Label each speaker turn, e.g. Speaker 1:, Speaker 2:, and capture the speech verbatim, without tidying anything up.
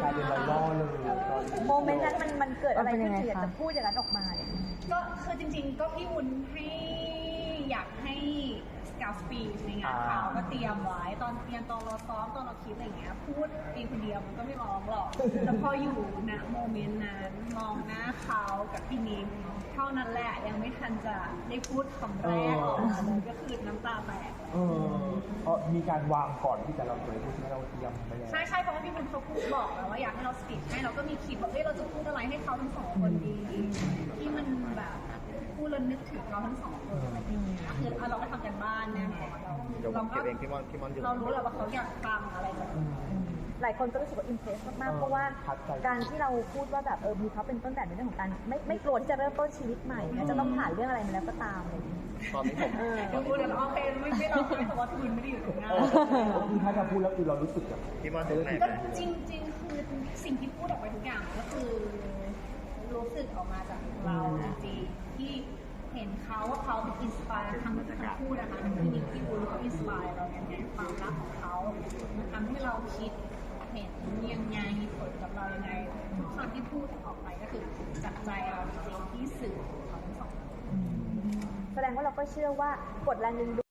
Speaker 1: ลายเป็นไวรัลเลย
Speaker 2: โมเมนต์นั้นมันมันเกิดอะไรขึ้นถึงอยากจะพูดอย่างนั้นออกมาเนี่ย
Speaker 3: ก็คือจริงๆก็พี่วุ้นให้อยากให้กราฟปีชในงานข่าวก็เตรียมไว้ตอนเตรียมตอนเราซ้อมตอนเราคิดอะไรเงี้ยพูดเองคนเดียวมันก็ไม่ร้องหรอกแต่พออยู่ณโมเมนต์นั้นมองหน้าเขากับพี่นิ้งเท่านั้นแหละยังไม่ทันจะได้พูดคำแรกออกมาเลยก็คือน้ำตาแตก
Speaker 1: เออเพราะมีการวางก่อนที่จะเราจะพูดที่เราเตรียมไปแล้ว
Speaker 3: ใช่ใช่เพราะว่าพี่วุ้นเขาพูดบอกแล้วว่าอยากให้เราสติดให้เราก็มีคิดว่าเฮ้ยเราจะพูดอะไรให้เขาทั้งสองคนดีที่มันแบบพูดแล้วนึกถึงเราทั้งสองคนอะไรอย่างเงี้ยคือเราก็ทำกันบ้านแน่นอนเราเราก็เรารู้แหละว่าเขาอยากฟังอะไรแบบนี้
Speaker 2: หลายคนก็รู้สึกว่าอิมเพรสมากๆเพราะว่าการที่เราพูดว่าแบบเออมีเขาเป็นต้นแบบในเรื่องของการไม่ไม่กลัวที่จะเริ่มต้นชีวิตใหม่เนี่ยจะต้องผ่านเรื่องอะไรมาแล้วก็ตามอะไรอย่างเงี้ย
Speaker 4: ตอนนี้ผม
Speaker 3: ก็พูดแล้วโอเคไม่ไม่เราไม่แต่ว่าทุนไม่ได้อยู่ตรงหน้า
Speaker 1: คือถ้าจะพูดแล้วคือเรารู้สึกแบบ
Speaker 4: พี่มอนเจอไหน
Speaker 3: ก็จริงๆคือสิ่งที่พูดออกไปทุกอย่างก็คือรู้สึกออกมาจากเราจริงๆที่เห็นเขาว่าเขาเป็นอินสปายทั้งทั้งคู่นะคะทั้งพี่นิกพี่วุ้นเขาอินสปายเราในความรักของเขามันทำให้เราคิดเห็นยังไงมีผลกับเรายังไงทุกคำที่พูดออกไปก็คือจากใจเราจริงๆที่สื่อของเขาทั้งสอง
Speaker 2: แสดงว่าเราก็เชื่อว่ากฎแรงดึงดูด